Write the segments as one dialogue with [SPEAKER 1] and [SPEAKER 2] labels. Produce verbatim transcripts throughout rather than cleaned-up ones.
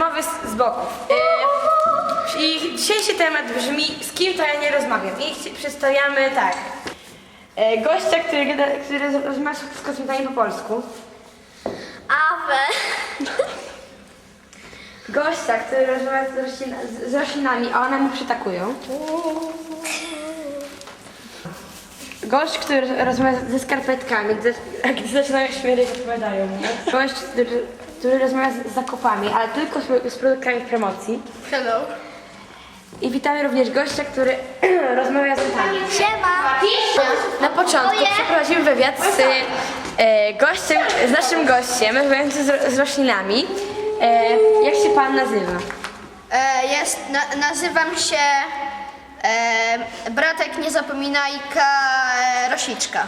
[SPEAKER 1] rozmowy z, z boków. E, I dzisiejszy temat brzmi, z kim to ja nie rozmawiam. I chci- przedstawiamy tak. E, gościa, który, gada- który rozmawia z kosmitami po polsku.
[SPEAKER 2] Awe.
[SPEAKER 1] Gościa, który rozmawia z, roślin, z, z roślinami, a one mu przytakują. Gość, który rozmawia ze skarpetkami, gdy, a gdy zaczynają śmierdzieć, odpowiadają mu. Gość, który, który rozmawia z zakupami, ale tylko z, z produktami w promocji.
[SPEAKER 2] Hello.
[SPEAKER 1] I witamy również gościa, który rozmawia z nami.
[SPEAKER 2] Siema.
[SPEAKER 1] Na początku przeprowadzimy wywiad z e, gościem, z naszym gościem, rozmawiającym z, z roślinami. E, jak się pan nazywa?
[SPEAKER 2] E, jest, na, nazywam się e, Bratek Niezapominajka e, Rosiczka.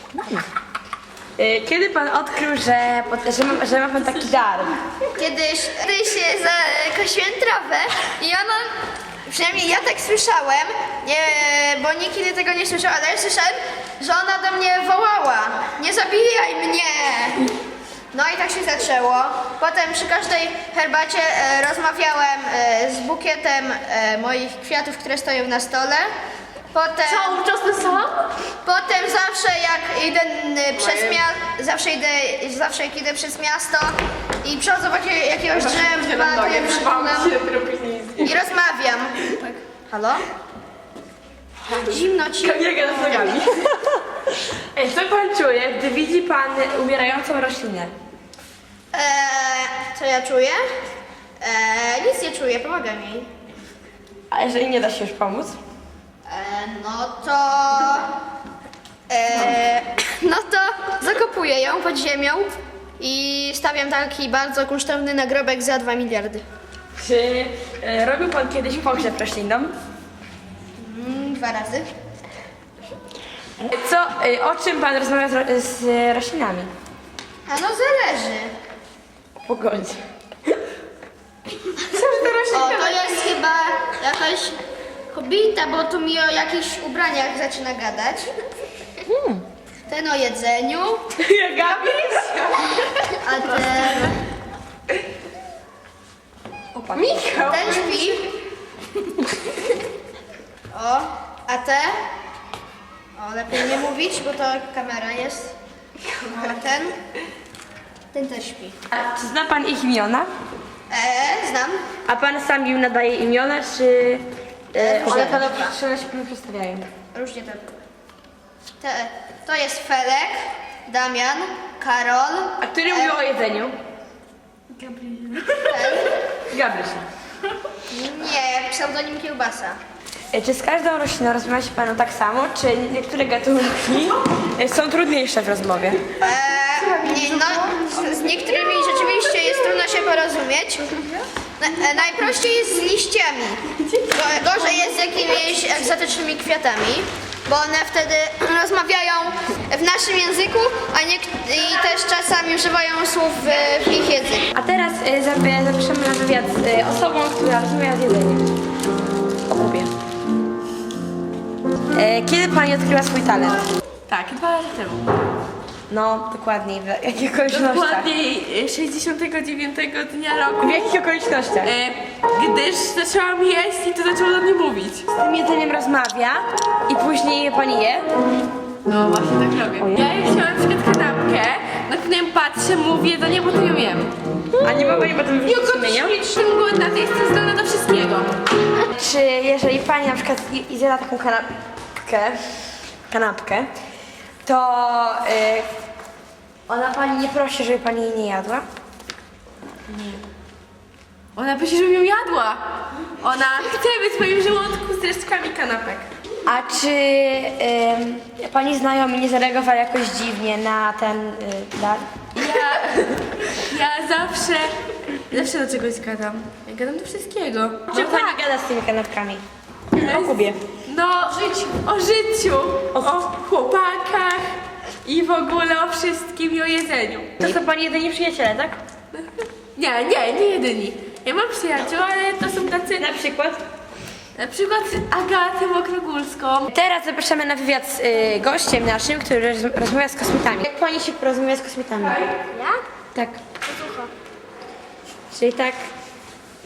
[SPEAKER 1] E, kiedy pan odkrył, że, że, ma, że ma pan taki dar?
[SPEAKER 2] Kiedyś ty się zakosiłem trawę i ona, przynajmniej ja tak słyszałem, nie, bo nikt inny tego nie słyszał, ale ja słyszałem, że ona do mnie wołała: nie zabijaj mnie! No i tak się zaczęło. Potem przy każdej herbacie e, rozmawiałem e, z bukietem e, moich kwiatów, które stoją na stole. Potem,
[SPEAKER 3] Cały czas ten sam?
[SPEAKER 2] potem zawsze jak idę y, przez miasto, zawsze idę, zawsze jak idę przez miasto i przechodzę obok jakiegoś drzewa, nie przypominam i rozmawiam. Tak. Halo? Zimno ci.
[SPEAKER 1] Nie gada z nogami. Ej, co pan czuje, gdy widzi pan umierającą roślinę?
[SPEAKER 2] Eee, co ja czuję? Eee, nic nie czuję, pomagam jej.
[SPEAKER 1] A jeżeli nie da się już pomóc?
[SPEAKER 2] Eee, no to... Eee, no to zakopuję ją pod ziemią i stawiam taki bardzo kunsztowny nagrobek za dwa miliardy.
[SPEAKER 1] Czy e, robił pan kiedyś pogrzeb roślinom?
[SPEAKER 2] Mm, dwa razy.
[SPEAKER 1] Co, e, o czym pan rozmawia z, ro, z e, roślinami?
[SPEAKER 2] A no zależy.
[SPEAKER 1] O pogodzie.
[SPEAKER 2] O, to jest chyba jakaś kobieta, bo tu mi o jakichś ubraniach zaczyna gadać. Ten o jedzeniu,
[SPEAKER 1] Jak Gabiś?
[SPEAKER 2] a ten,
[SPEAKER 1] Opa. Michał!
[SPEAKER 2] ten śpi. O, a te? O, lepiej nie mówić, bo to kamera jest. O, a ten? Ten też śpi.
[SPEAKER 1] A czy zna pan ich imiona?
[SPEAKER 2] Eee, znam.
[SPEAKER 1] A pan sam im nadaje imiona, czy e,
[SPEAKER 2] Różnie
[SPEAKER 1] one
[SPEAKER 2] to
[SPEAKER 1] panu
[SPEAKER 2] bywa.
[SPEAKER 1] czy one się panu przedstawiają?
[SPEAKER 2] Różnie to bywa. Te, to jest Felek, Damian, Karol.
[SPEAKER 1] A który mówił o jedzeniu?
[SPEAKER 2] Ten.
[SPEAKER 1] Gabryś.
[SPEAKER 2] Nie, pseudonim Kiełbasa.
[SPEAKER 1] E, Czy z każdą rośliną rozmawia się panu tak samo, czy niektóre gatunki e, są trudniejsze w rozmowie?
[SPEAKER 2] Eee, nie, no, z, z niektórymi rzeczywiście jest trudno się porozumieć. Na, e, najprościej jest z liściami. Go, gorzej jest z jakimiś egzotycznymi kwiatami, bo one wtedy rozmawiają w naszym języku, a niek- i też czasami używają słów w, w ich języku.
[SPEAKER 1] A teraz e, zabie- zapraszamy na wywiad z e, osobą, która rozmawia z jedzeniem. O Kubie. E, Kiedy pani odkryła swój talent?
[SPEAKER 3] Tak, dwa lata temu.
[SPEAKER 1] No, dokładniej, w jakich okolicznościach?
[SPEAKER 3] Dokładniej sześćdziesiątego dziewiątego dnia roku,
[SPEAKER 1] W jakich okolicznościach?
[SPEAKER 3] e, gdyż zaczęłam jeść i to zaczęło do mnie mówić.
[SPEAKER 1] Z tym jedzeniem rozmawia i później je pani je?
[SPEAKER 3] No właśnie tak robię. Ja jak chciałam na przykład kanapkę, na którą patrzę, mówię do niej, bo to ją jem.
[SPEAKER 1] A nie ma pani potem
[SPEAKER 3] I
[SPEAKER 1] wyrzucić
[SPEAKER 3] około
[SPEAKER 1] sumienia?
[SPEAKER 3] jestem głodna, to jestem zdolna do wszystkiego.
[SPEAKER 1] Czy jeżeli pani na przykład i- zjada taką kanapkę, kanapkę, to y, ona pani nie prosi, żeby pani jej nie jadła?
[SPEAKER 3] Ona prosi, żebym ją jadła. Ona chce być w moim żołądku z resztkami kanapek.
[SPEAKER 1] A czy y, pani znajomi nie zareagowali jakoś dziwnie na ten y, dar?
[SPEAKER 3] Ja, ja zawsze, zawsze do czegoś gadam. Ja gadam do wszystkiego.
[SPEAKER 1] Czy pani gada z tymi kanapkami? O Kubie.
[SPEAKER 3] No, o życiu, o chłopakach i w ogóle o wszystkim i o jedzeniu.
[SPEAKER 1] To są pani jedyni przyjaciele, tak?
[SPEAKER 3] Nie, nie, nie jedyni. Ja mam przyjaciół, ale to są tacy,
[SPEAKER 1] Na przykład?
[SPEAKER 3] na przykład Agatę Mokrogórską.
[SPEAKER 1] Teraz zapraszamy na wywiad z y, gościem naszym, który roz, rozmawia z kosmitami. Jak pani się porozumie z kosmitami?
[SPEAKER 2] Ja?
[SPEAKER 1] Tak. Czyli tak,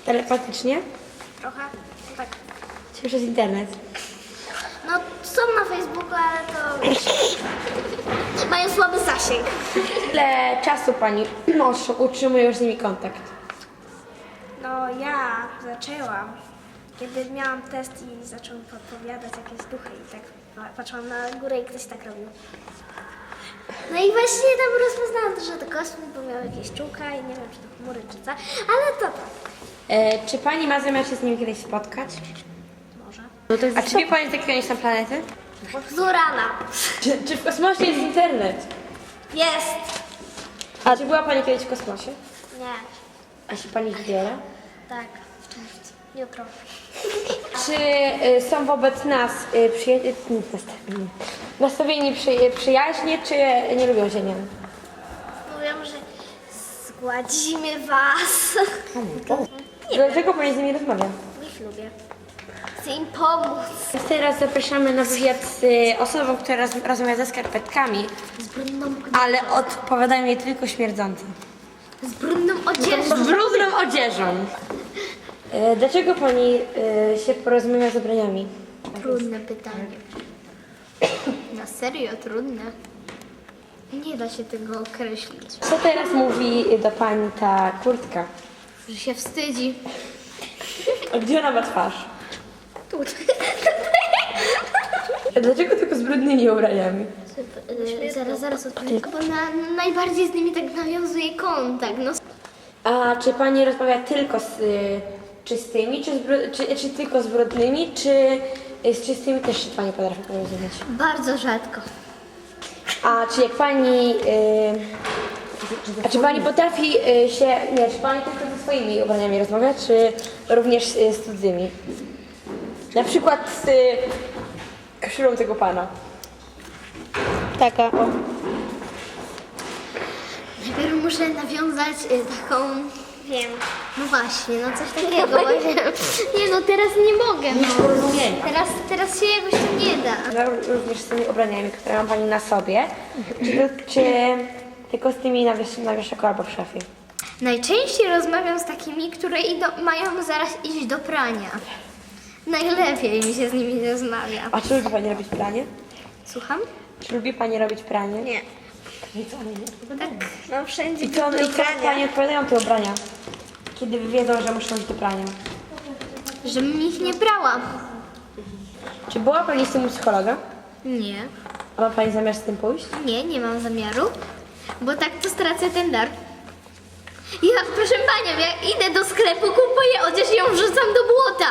[SPEAKER 1] Telepatycznie?
[SPEAKER 4] Trochę, tak.
[SPEAKER 1] Czy przez internet?
[SPEAKER 4] No, są na Facebooku, ale to wiesz, mają słaby zasięg.
[SPEAKER 1] Ile czasu pani utrzymuje już z nimi kontakt?
[SPEAKER 4] No, ja zaczęłam, kiedy miałam test i zacząłem podpowiadać jakieś duchy i tak pa- patrzyłam na górę i ktoś tak robił. No i właśnie tam rozpoznałam, że to kosmit, bo miał jakieś czułka i nie wiem, czy to chmury, czy co, ale to tak.
[SPEAKER 1] E, czy pani ma zamiar się z nimi kiedyś spotkać?
[SPEAKER 4] Może.
[SPEAKER 1] A czy wie pani, z jakiego oni są planety?
[SPEAKER 4] Z Urana.
[SPEAKER 1] Czy, czy w kosmosie jest internet?
[SPEAKER 4] Jest!
[SPEAKER 1] A czy była pani kiedyś w kosmosie?
[SPEAKER 4] Nie.
[SPEAKER 1] A się pani wybiera?
[SPEAKER 4] Tak, w czerwcu. Jutro.
[SPEAKER 1] Czy y, są wobec nas y, przyja- y, nastawieni, nastawieni przy, y, przyjaźnie, czy nie lubią się, nie wiem?
[SPEAKER 4] Mówią, że zgładzimy was.
[SPEAKER 1] Dlaczego pani z nimi rozmawia?
[SPEAKER 4] Ich lubię. Chcę im pomóc.
[SPEAKER 1] Teraz zapraszamy na wywiad z y, osobą, która roz, rozmawia ze skarpetkami,
[SPEAKER 4] Z brudną,
[SPEAKER 1] ale odpowiadają jej tylko śmierdzące.
[SPEAKER 4] z brudną odzieżą.
[SPEAKER 1] Z brudną odzieżą. Y, dlaczego pani y, się porozmawia z ubraniami?
[SPEAKER 4] Trudne pytanie. Na serio, trudne. Nie da się tego określić.
[SPEAKER 1] Co teraz mówi do pani ta kurtka?
[SPEAKER 4] Że się wstydzi.
[SPEAKER 1] A gdzie ona ma twarz?
[SPEAKER 4] Tutaj.
[SPEAKER 1] Dlaczego tylko z brudnymi ubraniami?
[SPEAKER 4] Yy, zaraz, zaraz odpowiem. Bo na, najbardziej z nimi tak nawiązuje kontakt. No,
[SPEAKER 1] A czy pani rozmawia tylko z y, czystymi, czy, z bru- czy, czy tylko z brudnymi, czy y, z czystymi też się pani potrafi porozumieć?
[SPEAKER 4] bardzo rzadko.
[SPEAKER 1] A czy jak pani... Y, a czy pani potrafi y, się... Nie, czy pani tylko ze swoimi ubraniami rozmawia, czy również y, z cudzymi? Na przykład z y, koszulą tego pana. Taka, o.
[SPEAKER 4] Najpierw muszę nawiązać y, taką, wiem, no właśnie, no coś takiego. Właśnie. Nie no, teraz nie mogę. No.
[SPEAKER 1] Porozumienia.
[SPEAKER 4] Teraz, teraz się jakoś to nie da.
[SPEAKER 1] No, również z tymi ubraniami, które ma pani na sobie, czy, czy tylko z tymi na, wiesz, na wieszaku albo w szafie?
[SPEAKER 4] Najczęściej rozmawiam z takimi, które idą, mają zaraz iść do prania. Najlepiej mi się z nimi rozmawia.
[SPEAKER 1] A czy lubi pani robić pranie?
[SPEAKER 4] Słucham?
[SPEAKER 1] Czy lubi pani robić pranie?
[SPEAKER 4] Nie.
[SPEAKER 1] I co oni nie odpowiadają?
[SPEAKER 4] Tak, no wszędzie
[SPEAKER 1] I co, one, i co pani odpowiadają te ubrania? Kiedy wiedzą, że muszą iść do prania?
[SPEAKER 4] Żebym ich nie brała.
[SPEAKER 1] Czy była pani z tym u psychologa?
[SPEAKER 4] Nie.
[SPEAKER 1] A ma pani zamiar z tym pójść?
[SPEAKER 4] Nie, nie mam zamiaru, bo tak to stracę ten dar. Ja, proszę panią, jak idę do sklepu, kupuję odzież i ją wrzucam do błota.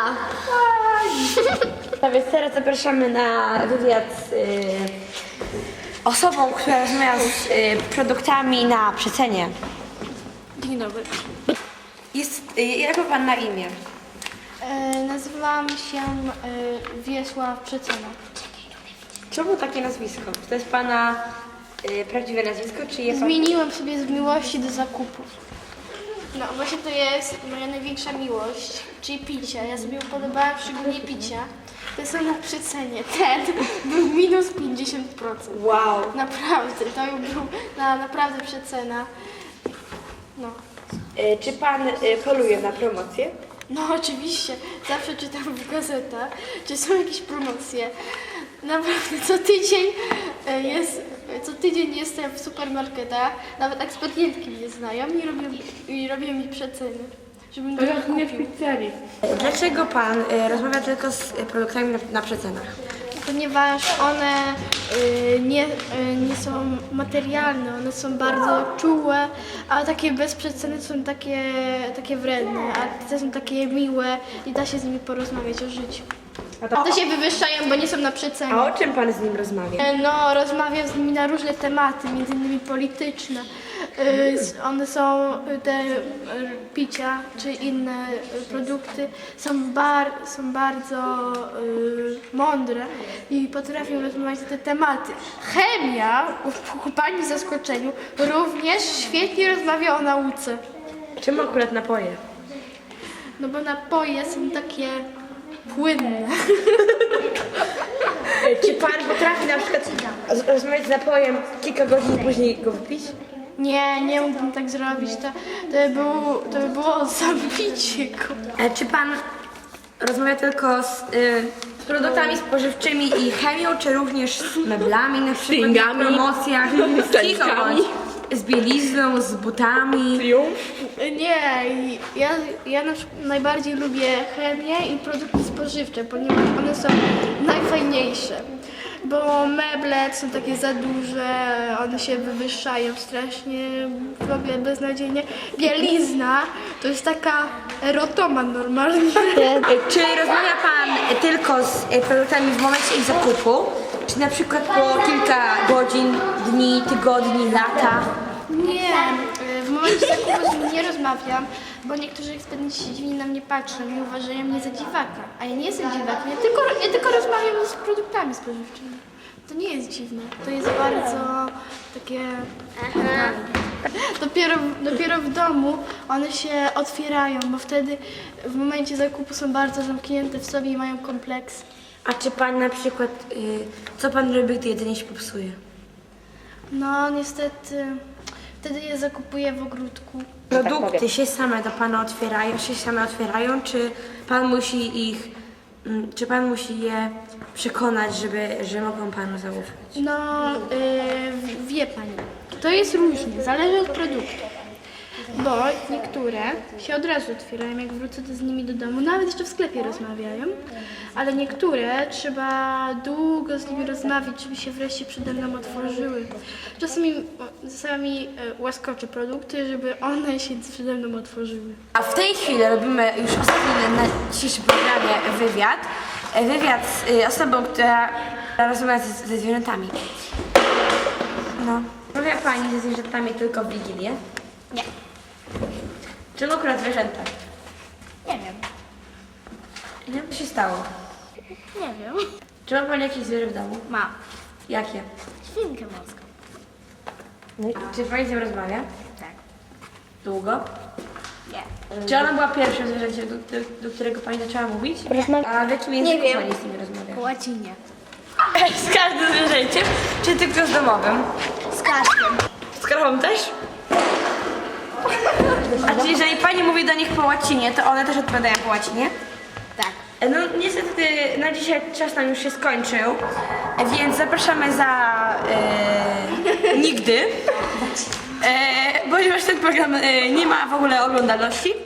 [SPEAKER 1] A więc teraz zapraszamy na wywiad z y, osobą, która rozmawia z y, produktami na przecenie.
[SPEAKER 3] Dzień dobry.
[SPEAKER 1] Jest, y, jak ma pan na imię?
[SPEAKER 5] E, nazywam się e, Wiesław Przecena.
[SPEAKER 1] Czemu takie nazwisko? Czy to jest pana y, prawdziwe nazwisko, czy jest pan...
[SPEAKER 5] Zmieniłem sobie z miłości do zakupów. No właśnie to jest moja największa miłość, czyli picie. Ja sobie upodobałam szczególnie picia. To są na przecenie. Ten był minus pięćdziesiąt procent.
[SPEAKER 1] Wow.
[SPEAKER 5] Naprawdę, to był na, naprawdę przecena. No.
[SPEAKER 1] Y, czy pan y, poluje na promocję?
[SPEAKER 5] No oczywiście, zawsze czytam w gazetach, czy są jakieś promocje. Naprawdę co tydzień e, jest, co tydzień jestem w supermarketach, nawet ekspedientki mnie znają i robią, i robią mi przeceny, żebym to kupił.
[SPEAKER 1] Dlaczego pan y, rozmawia tylko z y, produktami na, na przecenach?
[SPEAKER 5] Ponieważ one y, nie, y, nie są materialne, one są bardzo czułe, a takie bez przeceny są takie, takie wredne, a te są takie miłe i da się z nimi porozmawiać o życiu.
[SPEAKER 1] A to,
[SPEAKER 5] To się wywyższają, bo nie są na przecenie.
[SPEAKER 1] a o czym pan z nim rozmawia?
[SPEAKER 5] No, rozmawiam z nimi na różne tematy, między innymi polityczne. Y, s- One są, y, te y, picia czy inne y, produkty są, bar, są bardzo y, mądre i potrafią rozmawiać na te tematy. Chemia, ku pani zaskoczeniu, również świetnie rozmawia o nauce.
[SPEAKER 1] Czemu akurat napoje?
[SPEAKER 5] No bo napoje są takie płynne.
[SPEAKER 1] Czy pan potrafi na przykład roz- rozmawiać z napojem kilka godzin i później go wypić?
[SPEAKER 5] Nie, nie mógłbym tak zrobić. To, to, by, było, to by było zabicie go.
[SPEAKER 1] E, Czy pan rozmawia tylko z y, produktami spożywczymi i chemią, czy również z meblami, na przykład w
[SPEAKER 3] Stringami.
[SPEAKER 1] promocjach, z
[SPEAKER 3] Stanikami.
[SPEAKER 1] cicho bądź, z bielizną, z butami?
[SPEAKER 5] Nie, ja, ja na przykład najbardziej lubię chemię i produkty spożywcze, ponieważ one są najfajniejsze. Bo meble są takie za duże, one się wywyższają strasznie, w ogóle beznadziejnie. Bielizna to jest taka erotoman normalnie.
[SPEAKER 1] E, Czy rozmawia pan tylko z e, produktami w momencie ich zakupu, czy na przykład po kilka godzin, dni, tygodni, lata?
[SPEAKER 5] Nie, w momencie zakupu z nimi nie rozmawiam, bo niektórzy eksperci dziwnie na mnie patrzą i uważają mnie za dziwaka. A ja nie jestem dziwakiem, ja tylko, ja tylko rozmawiam z produktami spożywczymi. To nie jest dziwne, to jest bardzo takie... Dopiero, dopiero w domu one się otwierają, bo wtedy w momencie zakupu są bardzo zamknięte w sobie i mają kompleks.
[SPEAKER 1] A czy pan na przykład, y, co pan robi, gdy jedzenie się popsuje?
[SPEAKER 5] No niestety, wtedy je zakupuję w ogródku.
[SPEAKER 1] Produkty się same do pana otwierają, się same otwierają, czy pan musi ich, mm, czy pan musi je przekonać, żeby, że mogą panu zaufać?
[SPEAKER 5] No, yy, wie pani, to jest różnie, zależy od produktu. Bo niektóre się od razu otwierają, jak wrócę z nimi do domu, nawet jeszcze w sklepie rozmawiają, ale niektóre trzeba długo z nimi rozmawiać, żeby się wreszcie przede mną otworzyły. Czasami, czasami yy, łaskoczę produkty, żeby one się przede mną otworzyły.
[SPEAKER 1] A w tej chwili robimy już ostatni na dzisiejszym programie wywiad. E, Wywiad z y, osobą, która rozmawia ze, ze zwierzętami. No. Rozmawia pani ze zwierzętami tylko w Wigilię?
[SPEAKER 4] Nie.
[SPEAKER 1] Czemu akurat zwierzęta?
[SPEAKER 4] Nie wiem.
[SPEAKER 1] Nie? Co się stało?
[SPEAKER 4] Nie wiem.
[SPEAKER 1] Czy ma pani jakieś zwierzę w domu?
[SPEAKER 4] Mam.
[SPEAKER 1] Jakie?
[SPEAKER 4] Świnkę morską.
[SPEAKER 1] Czy pani z nią rozmawia?
[SPEAKER 4] Tak.
[SPEAKER 1] Długo?
[SPEAKER 4] Nie.
[SPEAKER 1] Czy ona była pierwszym zwierzęciem, do, do, do którego pani zaczęła mówić? A w jakim języku
[SPEAKER 4] wiem.
[SPEAKER 1] pani z nimi rozmawia?
[SPEAKER 4] Po łacinie.
[SPEAKER 1] Z każdym zwierzęciem? Czy tylko z domowym?
[SPEAKER 4] Z każdym.
[SPEAKER 1] Z krową też? A czy jeżeli pani mówi do nich po łacinie, to one też odpowiadają po łacinie?
[SPEAKER 4] Tak.
[SPEAKER 1] No niestety na dzisiaj czas nam już się skończył, więc zapraszamy za e, nigdy, e, ponieważ ten program e, nie ma w ogóle oglądalności.